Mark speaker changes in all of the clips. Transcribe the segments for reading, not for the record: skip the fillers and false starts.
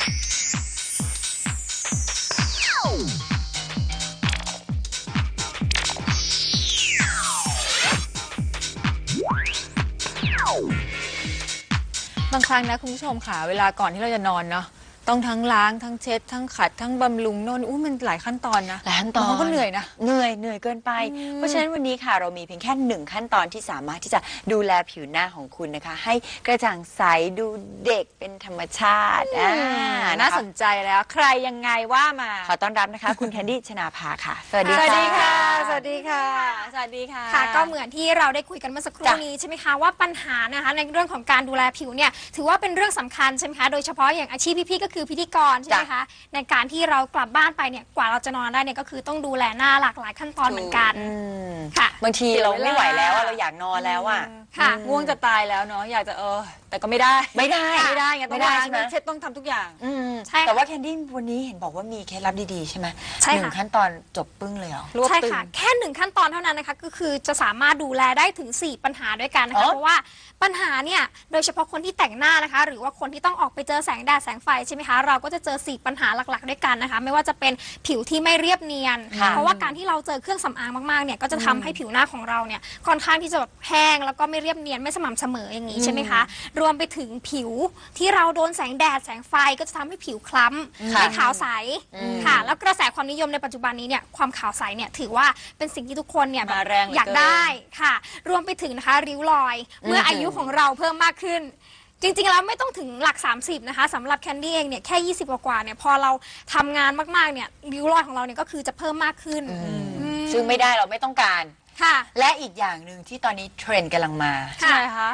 Speaker 1: บางครั้งนะคุณผู้ชมค่ะเวลาก่อนที่เราจะนอนเนาะต้องทั้งล้างทั้งเช็ดทั้งขัดทั้งบำรุงโน่นมันหลายขั้นตอนนะ
Speaker 2: หลายขั้นตอน
Speaker 1: ก็เหนื่อยนะ
Speaker 2: เหนื่อยเกินไปเพราะฉะนั้นวันนี้ค่ะเรามีเพียงแค่1ขั้นตอนที่สามารถที่จะดูแลผิวหน้าของคุณนะคะให้กระจ่างใสดูเด็กเป็นธรรมชาติ
Speaker 1: น่าสนใจแล้วใครยังไงว่ามา
Speaker 2: ขอต้อนรับนะคะคุณแคนดี้ชนาภาค่ะสวัสดี
Speaker 1: ค่ะสวัสดีค่ะสวัสดีค่ะ
Speaker 3: ค่ะก็เหมือนที่เราได้คุยกันเมื่อสักครู่นี้ใช่ไหมคะว่าปัญหานะคะในเรื่องของการดูแลผิวเนี่ยถือว่าเป็นเรื่องสำคัญใช่ไหมคะโดยเฉพาะอย่างอาชีพพี่ๆก็คือพิธีกรใช่ไหมคะในการที่เรากลับบ้านไปเนี่ยกว่าเราจะนอนได้เนี่ยก็คือต้องดูแลหน้าหลากหลายขั้นตอนเหมือนกัน
Speaker 2: ค่ะบางทีเราไม่ไหวแล้วเราอยากนอนแล้วอ่ะ
Speaker 1: ค่ะง่วงจะตายแล้วเนาะอยากจะแต่ก็ไม่ได้ไงต้องล้างเช็ดต้องทำทุกอย่าง
Speaker 2: ใช่แต่ว่าแคนดี้วันนี้เห็นบอกว่ามีเคล็ดลับดีๆใช่ไหม1ขั้นตอนจบปึ้งเลยเหรอ
Speaker 3: ใช่ค่ะแค่1ขั้นตอนเท่านั้นนะคะก็คือจะสามารถดูแลได้ถึง4ปัญหาด้วยกันนะคะเพราะว่าปัญหาเนี่ยโดยเฉพาะคนที่แต่งหน้านะคะหรือว่าคนที่ต้องออกไปเจอแสงแดดแสงไฟใช่ไหมคะเราก็จะเจอ4ปัญหาหลักๆด้วยกันนะคะไม่ว่าจะเป็นผิวที่ไม่เรียบเนียนเพราะว่าการที่เราเจอเครื่องสำอางมากๆเนี่ยก็จะทำให้ผิวหน้าของเราเนี่ยค่อนข้างที่จะแบบแห้งแล้วก็ไม่เรียบเนียนไม่สม่ำเสมออย่างนี้ใช่ไหมคะรวมไปถึงผิวที่เราโดนแสงแดดแสงไฟก็จะทำให้ผิวคล้ำไม่ขาวใสค่ะแล้วกระแสความนิยมในปัจจุบันนี้เนี่ยความขาวใสเนี่ยถือว่าเป็นสิ่งที่ทุกคนเนี่ยแบบอยากได้ค่ะรวมไปถึงนะคะริ้วรอยเมื่ออายุของเราเพิ่มมากขึ้นจริงๆแล้วไม่ต้องถึงหลัก30นะคะสำหรับแคนดี้เองเนี่ยแค่20กว่าเนี่ยพอเราทำงานมากๆเนี่ยริ้วรอยของเราเนี่ยก็คือจะเพิ่มมากขึ้น
Speaker 2: ซึ่งไม่ได้เราไม่ต้องการ
Speaker 3: ค่ะ
Speaker 2: และอีกอย่างหนึ่งที่ตอนนี้เทรนด์กำลังมา
Speaker 1: ใช่คะ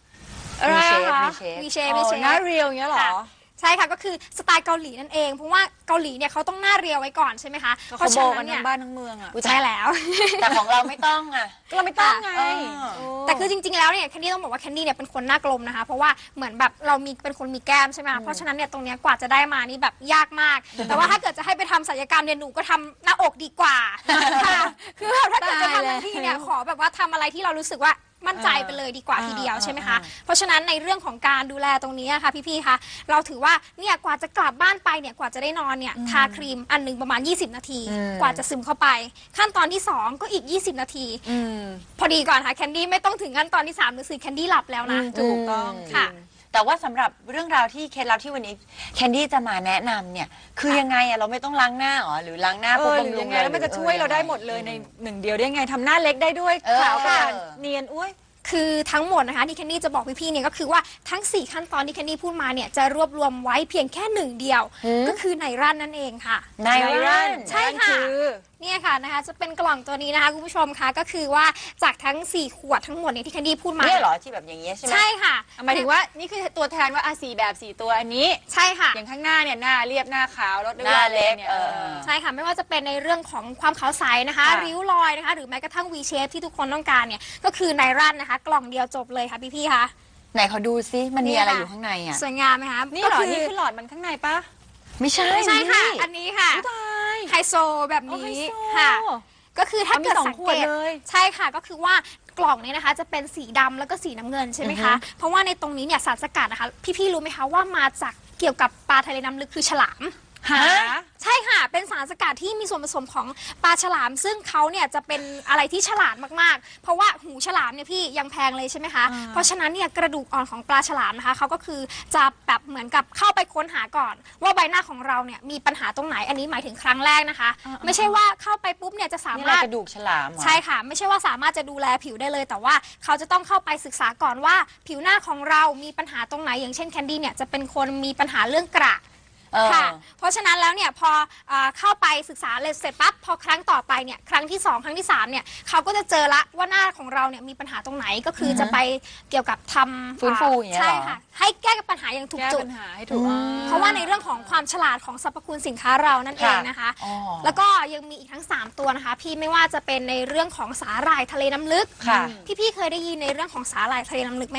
Speaker 3: มีเชฟ
Speaker 1: หน้าเรียวอย่างเงี้ยหรอ
Speaker 3: ใช่ค่ะก็คือสไตล์เกาหลีนั่นเองเพราะว่าเกาหลีเนี่ยเขาต้องหน้าเรียวไว้ก่อนใช่ไหมคะ
Speaker 1: เพราะฉะนั้นเนี่ยบ้านทั้งเมืองอ่ะ
Speaker 3: ใช่แล้ว
Speaker 2: แต่ของเราไม่ต้องอ่ะ
Speaker 1: เราไม่ต้องไง
Speaker 3: แต่คือจริงๆแล้วเนี่ยแคนดี้ต้องบอกว่าแคนดี้เนี่ยเป็นคนหน้ากลมนะคะเพราะว่าเหมือนแบบเราเป็นคนมีแก้มใช่ไหมเพราะฉะนั้นเนี่ยตรงเนี้ยกว่าจะได้มานี่แบบยากมากแต่ว่าถ้าเกิดจะให้ไปทำศัลยกรรมเนี่ยหนูก็ทำหน้าอกดีกว่าค่ะคือแบบถ้าเกิดจะทำทันทีเนี่ยขอแบบว่าทำอะไรที่เรารู้สึกว่ามั่นใจไปเลยดีกว่าทีเดียวใช่ไหมคะเพราะฉะนั้นในเรื่องของการดูแลตรงนี้ค่ะพี่ๆคะเราถือว่าเนี่ยกว่าจะกลับบ้านไปเนี่ยกว่าจะได้นอนเนี่ยทาครีมอันนึงประมาณ20นาทีกว่าจะซึมเข้าไปขั้นตอนที่2ก็อีก20นาทีพอดีก่อนค่ะแคนดี้ไม่ต้องถึงขั้นตอนที่3หรือ4แคนดี้หลับแล้วนะ
Speaker 1: ถูกต้อง
Speaker 3: ค่ะ
Speaker 2: แต่ว่าสำหรับเรื่องราวที่เคล็ดลับที่วันนี้แคนดี้จะมาแนะนำเนี่ยคือยังไงอะเราไม่ต้องล้างหน้าหรอหรือล้างหน้าปุ๊บบำรุง
Speaker 1: เลยแล้วมันจะช่วยเราได้หมดเลยใน1เดียวได้ไงทำหน้าเล็กได้ด้วยขาวกระจ่างเนียนอุ้ย
Speaker 3: คือทั้งหมดนะคะที่แคนดี้จะบอกพี่ๆเนี่ยก็คือว่าทั้ง4ขั้นตอนที่แคนดี้พูดมาเนี่ยจะรวบรวมไว้เพียงแค่1เดียวก็คือไนรันนั่นเองค่ะ
Speaker 2: ไนรัน
Speaker 3: ใช่ค่ะเนี่ยค่ะนะคะจะเป็นกล่องตัวนี้นะคะคุณผู้ชมคะก็คือว่าจากทั้ง4ขวดทั้งหมดเนี่ยที่แคนดี้พูดมา
Speaker 2: เนี่ยเหรอที่แบบอย่างเงี้ยใช่ไหม
Speaker 3: ใช่ค่ะ
Speaker 1: หมายถึงว่านี่คือตัวแทนว่า4แบบ4ตัวอันนี้
Speaker 3: ใช่ค่ะ
Speaker 1: อย่างข้างหน้าเนี่ยหน้าเรียบหน้าขาวลดด้วย
Speaker 2: หน้าเล็ก
Speaker 1: เนี่ย
Speaker 3: ใช่ค่ะไม่ว่าจะเป็นในเรื่องของความขาวใสนะคะริ้วรอยนะคะหรือแม้กระทั่ง V shape ที่ทุกคนต้องการเนี่ยก็คือไนรันนะคะกล่องเดียวจบเลยค่ะพี่ๆคะ
Speaker 2: ไหนเขาดูซิมันมีอะไรอยู่ข้างในอ่ะ
Speaker 3: สวยงามไหมคะ
Speaker 1: นี่หรอนี่คือหลอดมันข้างในปะ
Speaker 2: ไม่ใช่
Speaker 3: ค่ะอันนี้ค่ะไฮโซแบบนี้ค่ะก็คือถ้าเกิดสังเกตใช่ค่ะก็คือว่ากล่องนี้นะคะจะเป็นสีดำแล้วก็สีน้ำเงินใช่ไหมคะเพราะว่าในตรงนี้เนี่ยสารสกัดนะคะพี่ๆรู้ไหมคะว่ามาจากเกี่ยวกับปลาทะเลน้ำลึกคือฉลามใช่ค่ะเป็นสารสกัดที่มีส่วนผสมของปลาฉลามซึ่งเขาเนี่ยจะเป็นอะไรที่ฉลาดมากๆเพราะว่าหูฉลามเนี่ยพี่ยังแพงเลยใช่ไหมคะเพราะฉะนั้นเนี่ยกระดูกอ่อนของปลาฉลามนะคะเขาก็คือจะแบบเหมือนกับเข้าไปค้นหาก่อนว่าใบหน้าของเราเนี่ยมีปัญหาตรงไหนอันนี้หมายถึงครั้งแรกนะคะไม่ใช่ว่าเข้าไปปุ๊บเนี่ยจะสามารถ
Speaker 2: กระดูกฉลาม
Speaker 3: ใช่ค่ะไม่ใช่ว่าสามารถจะดูแลผิวได้เลยแต่ว่าเขาจะต้องเข้าไปศึกษาก่อนว่าผิวหน้าของเรามีปัญหาตรงไหนอย่างเช่นแคนดี้เนี่ยจะเป็นคนมีปัญหาเรื่องกระค่ะเพราะฉะนั้นแล้วเนี่ยพอเข้าไปศึกษาเสร็จปั๊บพอครั้งต่อไปเนี่ยครั้งที่2ครั้งที่3เนี่ยเขาก็จะเจอละว่าหน้าของเราเนี่ยมีปัญหาตรงไหนก็คือจะไปเกี่ยวกับทำ
Speaker 2: ฟื้นฟูอย่างเงี้ย
Speaker 3: ใช่ค่ะให้แก้ปัญหาอย่างถูกจุดเพราะว่าในเรื่องของความฉลาดของสรรพคุณสินค้าเรานั่นเองนะคะแล้วก็ยังมีอีกทั้ง3ตัวนะคะพี่ไม่ว่าจะเป็นในเรื่องของสาหร่ายทะเลน้ำลึกพี่เคยได้ยินในเรื่องของสาหร่ายทะเลน้ำลึกไหมคะ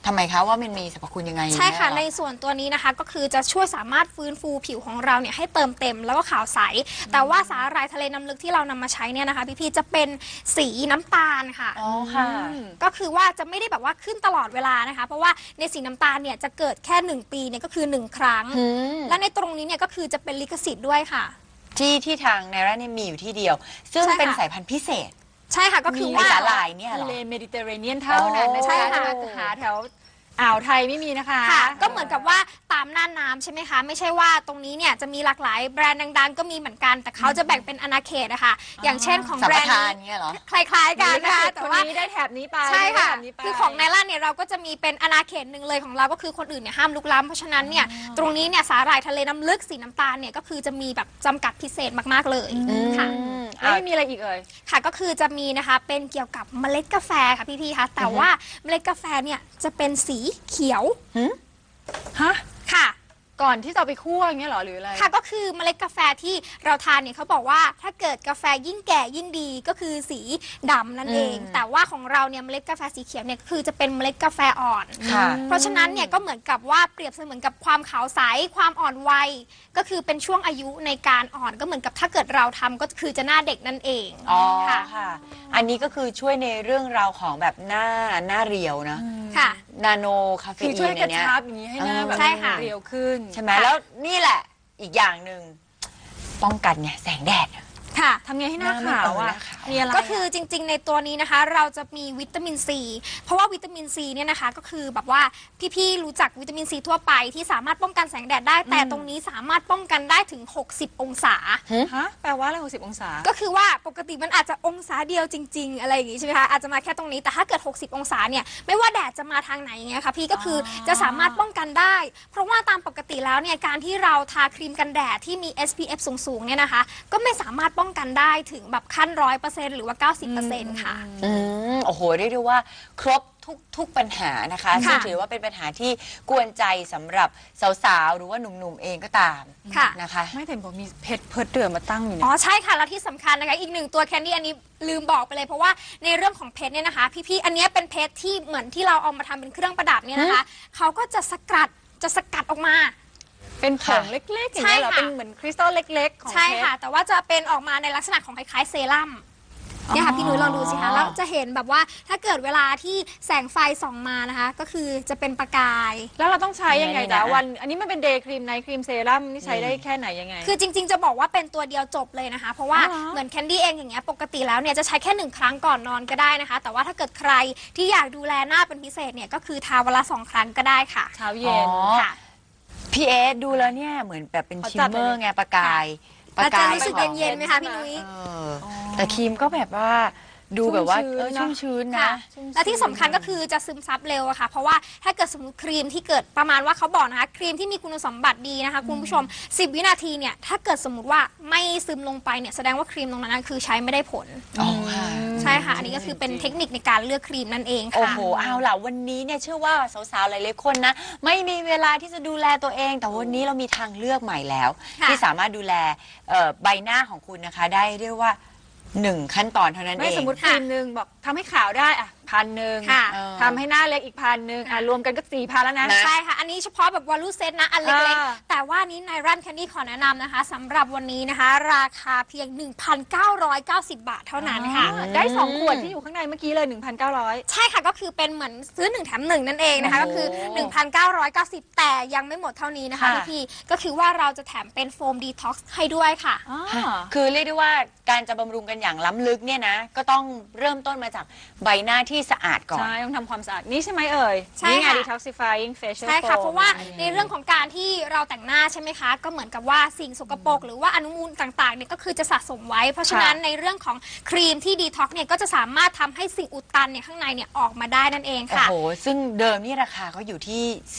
Speaker 2: ทำไมคะว่ามันมีสรรพคุณยังไง
Speaker 3: ใช่ค่ะ
Speaker 2: แน่
Speaker 3: ในส่วนตัวนี้นะคะก็คือจะช่วยสามารถฟื้นฟูผิวของเราเนี่ยให้เติมเต็มแล้วก็ขาวใสแต่ว่าสาหร่ายทะเลน้ำลึกที่เรานำมาใช้เนี่ยนะคะพี่ๆจะเป็นสีน้ำตาลค่ะ
Speaker 2: อ๋อค่ะ
Speaker 3: ก็คือว่าจะไม่ได้แบบว่าขึ้นตลอดเวลานะคะเพราะว่าในสีน้ำตาลเนี่ยจะเกิดแค่1 ปีเนี่ยก็คือ1 ครั้ง และในตรงนี้เนี่ยก็คือจะเป็นลิขสิทธิ์ด้วยค่ะ
Speaker 2: ที่ทางไนร่าเนี่ยมีอยู่ที่เดียว ซึ่ง
Speaker 3: ใช่ค่ะ
Speaker 2: เป็นสายพันธุ์พิเศษ
Speaker 3: ใช่ค่ะก็คือ
Speaker 2: ใน
Speaker 3: ว่า
Speaker 2: สาหร่ายเนี่ยเหร
Speaker 1: ทะ
Speaker 2: อ
Speaker 1: เลเมดิเตอร์เรเนียนเท่านั้นนะ
Speaker 3: ใช่
Speaker 1: ใช่
Speaker 3: ค่ะ
Speaker 1: ค่ะหาแถวอ่าวไทยไม่มีนะคะ
Speaker 3: ค่ะก็เหมือนกับว่าตามน่านน้ำใช่ไหมคะไม่ใช่ว่าตรงนี้เนี่ยจะมีหลากหลายแบรนด์ดังๆ ก็มีเหมือนกันแต่เขาจะแบ่งเป็นอาณาเขตนะคะอย่างเช่นของ
Speaker 2: สัม
Speaker 3: แบร
Speaker 2: ป
Speaker 3: นด์
Speaker 2: ทาน
Speaker 3: นี้
Speaker 2: เนี่ยเหรอ
Speaker 3: คล้ายๆกันนะคะแต่
Speaker 1: คน
Speaker 3: ว่า
Speaker 1: นี้ได้แถบนี้ไป
Speaker 3: ใช่ค่ะ
Speaker 1: ได้แถบนี้ไป
Speaker 3: คือของไนล่าเนี่ยเราก็จะมีเป็นอาณาเขตหนึ่งเลยของเราก็คือคนอื่นเนี่ยห้ามลุกล้ำเพราะฉะนั้นเนี่ยตรงนี้เนี่ยสาหร่ายทะเลน้ำลึกสีน้ำตาลเนี่ยก็คือจะมีแบบจำกัดพิเศษมากๆเลยค่ะ
Speaker 1: แล้วมีอะไรอีกเอ่ย
Speaker 3: ค่ะก็คือจะมีนะคะเป็นเกี่ยวกับเมล็ดกาแฟค่ะพี่ๆคะแต่ว่าเมล็ดกาแฟเนี่ยจะเป็นสีเขียว
Speaker 1: ฮะ
Speaker 3: ค่ะ
Speaker 1: ก่อนที่จะเอาไปคั่วอย่างเงี้ยเหรอหรืออะไร
Speaker 3: ค่ะก็คือเมล็ดกาแฟที่เราทานเนี่ยเขาบอกว่าถ้าเกิดกาแฟยิ่งแก่ยิ่งดีก็คือสีดำนั่นเอง แต่ว่าของเราเนี่ยเมล็ดกาแฟสีเขียวเนี่ยก็คือจะเป็นเมล็ดกาแฟอ่อน
Speaker 2: ค่ะ
Speaker 3: เพราะฉะนั้นเนี่ยก็เหมือนกับว่าเปรียบเสมือนกับความขาวใสความอ่อนวัยก็คือเป็นช่วงอายุในการอ่อนก็เหมือนกับถ้าเกิดเราทำก็คือจะหน้าเด็กนั่นเอง
Speaker 2: อ๋อ
Speaker 3: ค่ะ
Speaker 2: ค่ะ อันนี้ก็คือช่วยในเรื่องราวของแบบหน้าเรียวนะ
Speaker 3: ค่ะ
Speaker 2: นาโนคาเฟ
Speaker 1: คือ
Speaker 2: อี
Speaker 1: ช่วย
Speaker 2: น
Speaker 1: กระ
Speaker 2: เนี่ย
Speaker 1: ชับอย่างนี้ให้หน้าแบบ
Speaker 3: ใช่ค่ะ
Speaker 1: เรียวขึ้น
Speaker 2: ใช่ไหมแล้วนี่แหละอีกอย่างหนึ่งป้องกันเนี่ยแสงแดด
Speaker 3: ค่ะ
Speaker 1: ทำไงให้หน้า
Speaker 2: หน้า
Speaker 1: ขาว
Speaker 2: ไม่
Speaker 1: อ่ะ
Speaker 2: ขาว
Speaker 1: มีอะไร
Speaker 3: ก็คือจริงๆ ในตัวนี้นะคะเราจะมีวิตามินซีเพราะว่าวิตามินซีเนี่ยนะคะก็คือแบบว่าพี่ๆรู้จักวิตามินซีทั่วไปที่สามารถป้องกันแสงแดดได้ แต่ตรงนี้สามารถป้องกันได้ถึง60 องศา
Speaker 1: ฮะแปลว่าอะไร60 องศา
Speaker 3: ก็คือว่าปกติมันอาจจะองศาเดียวจริง ๆ อะไรอย่างงี้ใช่ไหมคะอาจจะมาแค่ตรงนี้แต่ถ้าเกิด60 องศาเนี่ยไม่ว่าแดดจะมาทางไหนอย่างเงี้ยค่ะพี่ก็คือจะสามารถป้องกันได้ เพราะว่าตามปกติแล้วเนี่ยการที่เราทาครีมกันแดดที่มี SPF สูงๆเนี่ยนะคะก็ไม่สามารถป้องกันได้ถึงแบบขั้น100%หรือว่า 90%ค่ะ
Speaker 2: โอ้โหเรียกได้ว่าครบทุกปัญหานะคะ
Speaker 3: ค่ะ
Speaker 2: ซึ่งถือว่าเป็นปัญหาที่กวนใจสำหรับสาวๆหรือว่าหนุ่มๆเองก็ตาม
Speaker 3: ค่ะ
Speaker 2: นะคะ
Speaker 1: ไม่แต่บอกมีเพชรเพิร์ดเดือมาตั้งอยู่
Speaker 3: อ๋
Speaker 1: เนี่
Speaker 3: อย ใช่ค่ะ แล้วที่สำคัญนะคะอีกหนึ่งตัวแคนดี้อันนี้ลืมบอกไปเลยเพราะว่าในเรื่องของเพชรเนี่ยนะคะ พี่ๆอันเนี้ยเป็นเพชรที่เหมือนที่เราเอามาทำเป็นเครื่องประดับเนี่ยนะคะเขาก็จะสกัดออกมา
Speaker 1: เป็นผงเล็กๆอย่างเงี้ยเหรอ
Speaker 3: ใช่ค่ะ
Speaker 1: เป็นเหมือนคริสตัลเล็กๆของ
Speaker 3: ใช่
Speaker 1: เพชร
Speaker 3: ค่ะ แต่ว่าจะเป็นออกมาในลักษณะของคล้ายๆเซรั่มเนี่ยค่ะพี่นุ้ยลองดูสิคะแล้วจะเห็นแบบว่าถ้าเกิดเวลาที่แสงไฟส่องมานะคะ ก็คือจะเป็นประกาย
Speaker 1: แล้วเราต้องใช้ยังไง
Speaker 2: นี่
Speaker 1: จ๊ะ
Speaker 2: นะ
Speaker 1: วันอันนี้มันเป็นเดย์ครีมไนท์ครีมเซรั่มนี่ใช้ได้แค่ไหนยังไง
Speaker 3: คือจริงๆ จะบอกว่าเป็นตัวเดียวจบเลยนะคะ เพราะว่า
Speaker 1: อ๋อเหรอ
Speaker 3: เหมือนแคนดี้เองอย่างเงี้ยปกติแล้วเนี่ยจะใช้แค่1 ครั้งก่อนนอนก็ได้นะคะ แต่ว่าถ้าเกิดใครที่อยากดูแลหน้าเป็นพิเศษเนี่ยก็คือทาวันละ2 ครั้งก็ได้ค่ะ
Speaker 1: เช้าเย็น
Speaker 3: ค่ะ
Speaker 2: พี่เอสดูแล้วเนี่ยเหมือนแบบเป็น
Speaker 1: ขอ
Speaker 2: ชิ
Speaker 1: จั
Speaker 2: ม
Speaker 1: บ
Speaker 2: เม
Speaker 1: หน่
Speaker 2: อ
Speaker 1: อย
Speaker 2: ร์ไงประกาย
Speaker 3: แล้วจะรู้สึก
Speaker 2: ของ
Speaker 3: เย็นๆไหมคะพี่นุ้ย
Speaker 2: เออแต่ครีมก็แบบว่าดูแบบว่า
Speaker 1: ชุ่มชื้น
Speaker 2: ชุ่มชื้น
Speaker 3: ค่ะ
Speaker 2: นะ
Speaker 3: และที่สำคัญก็คือจะซึมซับเร็วอะค่ะ เพราะว่าถ้าเกิดสมมติครีมที่เกิดประมาณว่าเขาบอกนะคะครีมที่มีคุณสมบัติดีนะคะคุณผู้ชม 10 วินาทีเนี่ยถ้าเกิดสมมติว่าไม่ซึมลงไปเนี่ยแสดงว่าครีมตรงนั้นคือใช้ไม่ได้ผล
Speaker 2: อ๋อค่ะ
Speaker 3: ใช่ค่ะ อันนี้ก็คือเป็นเทคนิคในการเลือกครีมนั่นเอง
Speaker 2: โอ้
Speaker 3: ค่ะ
Speaker 2: โห เอาล่ะ วันนี้เนี่ยเชื่อว่าสาวๆ หลายๆ คนนะ ไม่มีเวลาที่จะดูแลตัวเอง แต่วันนี้เรามีทางเลือกใหม่แล้ว
Speaker 3: ค่ะ
Speaker 2: ที่สามารถดูแลใบหน้าของคุณนะคะ ได้เรียกว่า 1 ขั้นตอนเท่านั้น
Speaker 1: ไม่
Speaker 2: เอง
Speaker 1: สมมติครีมหนึ่งบอกทำให้ขาวได้อ่ะ1,000
Speaker 3: ค่ะ
Speaker 1: ทำให้หน้าเล็กอีก1,000รวมกันก็4,000แล้วนะ
Speaker 2: นะ
Speaker 3: ใช่ค่ะ อันนี้เฉพาะแบบวอลลุ่เซตนะ อันเล็ก
Speaker 1: อ่า
Speaker 3: ๆ แต่ว่านี้ในรันแคนดี้ขอแนะนำนะคะสำหรับวันนี้นะคะ ราคาเพียง 1,990 บาทเท่านั้นค่ะ
Speaker 1: ได้2 ขวดที่อยู่ข้างในเมื่อกี้เลย 1,900
Speaker 3: ใช่ค่ะก็คือเป็นเหมือนซื้อ1 แถม 1 นั่นเองนะคะ
Speaker 2: โอ้
Speaker 3: ก็
Speaker 2: โห
Speaker 3: คือ 1,990 แต่ยังไม่หมดเท่านี้นะคะ
Speaker 2: ค่ะ
Speaker 3: พี่ๆก็คือว่าเราจะแถมเป็นโฟมดีท็อกซ์ให้ด้วยค่ะ
Speaker 2: คือเรียกได้ว่าการจะบำรุงกันอย่างล้ำลึกเนี่ยนะ ก็ต้องเริ่มต้นมาจากใบหน้าที่สะอาดก่อน
Speaker 1: ใช่ ต้องทำความสะอาด นี่ใช่ไหมเอ่ย
Speaker 3: ใช่
Speaker 1: นี่ไง
Speaker 3: ค่ะ
Speaker 1: detoxifying facial
Speaker 3: ใช่ค่ะ
Speaker 1: foam
Speaker 3: เพราะว่าในเรื่องของการที่เราแต่งหน้าใช่ไหมคะ ก็เหมือนกับว่าสิ่งสกปรกหรือว่าอนุมูลต่างๆเนี่ยก็คือจะสะสมไว้ เพราะฉะนั้นในเรื่องของครีมที่ดีท็อกเนี่ยก็จะสามารถทำให้สิ่งอุดตันเนี่ยข้างในเนี่ยออกมาได้นั่นเอง
Speaker 2: โอ้
Speaker 3: ค่ะ
Speaker 2: โห ซึ่งเดิมนี่ราคาเขาอยู่ที่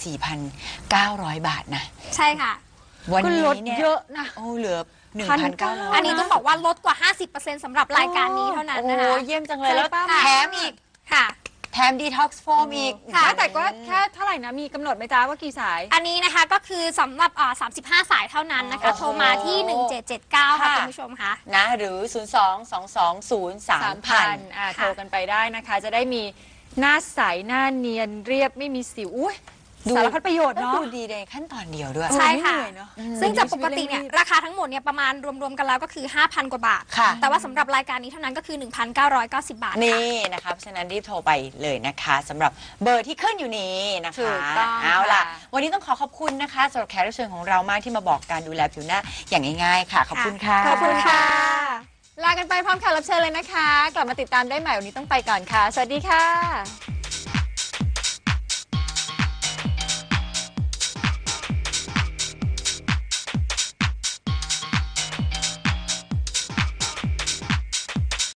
Speaker 2: 4,900 บาทนะ
Speaker 3: ใช่ค่ะ
Speaker 2: วัน
Speaker 1: ก็
Speaker 2: นี้
Speaker 1: ลด
Speaker 2: เนี่ย
Speaker 1: เยอะนะ
Speaker 2: โอ้เหลือ
Speaker 1: 1,900
Speaker 3: อันนี้ต้องบอกว่าลดกว่า 50%สำหรับรายการนี้เท่านั้น
Speaker 2: โอ้
Speaker 3: นะ
Speaker 2: โห
Speaker 3: คะ
Speaker 2: เยี่ยมจังเลย แล้ว
Speaker 1: ใช่ปะ
Speaker 2: แถมอีก
Speaker 3: ค่ะ
Speaker 2: แถมดีท็อกซ์โฟมอีก
Speaker 3: ค่ะ
Speaker 1: แต่ก็แค่เท่าไหร่นะ มีกำหนดไหมจ๊ะว่ากี่สาย
Speaker 3: อันนี้นะคะก็คือสำหรับ35 สายเท่านั้นนะคะ
Speaker 2: โอ้โห
Speaker 3: โทรมาที่ 1779 ค่ะ
Speaker 2: ค่ะ
Speaker 3: คุณผู้ชมค่ะ
Speaker 2: นะหรือ 022203000
Speaker 1: โทรกันไปได้นะคะ จะได้มีหน้าใสหน้าเนียนเรียบไม่มีสิวอุ้ยสารพัดประโยชน์
Speaker 2: แล้ว
Speaker 1: เนาะ
Speaker 2: ดูดีในขั้นตอนเดียวด้วย
Speaker 3: ใช่ค่ะ
Speaker 2: ไม่เหนื่อยเนอะ
Speaker 3: ซึ่งจากปกติเนี่ยราคาทั้งหมดเนี่ยประมาณรวมๆกันแล้วก็คือ 5,000 กว่าบาท
Speaker 2: ค่ะ
Speaker 3: แต่ว่าสำหรับรายการนี้เท่านั้นก็คือ 1,990 บาทค่ะ
Speaker 2: นี่นะคะเพราะฉะนั้นรีบโทรไปเลยนะคะสำหรับเบอร์ที่ขึ้นอยู่นี้นะ
Speaker 1: ถู
Speaker 2: คะ
Speaker 1: กต้อง
Speaker 2: เอาล่ะ
Speaker 1: ค่ะ
Speaker 2: วันนี้ต้องขอบคุณนะคะสำหรับแขกรับเชิญของเรามากที่มาบอกการดูแลผิวหน้าอย่างง่ายๆค่ะขอบคุณค่ะ
Speaker 3: ขอบคุณค่ะ
Speaker 1: ลากันไปพร้อมแขกรับเชิญเลยนะคะ กลับมาติดตามได้ใหม่วันนี้ต้องไปก่อนค่ะ สวัสดีค่ะ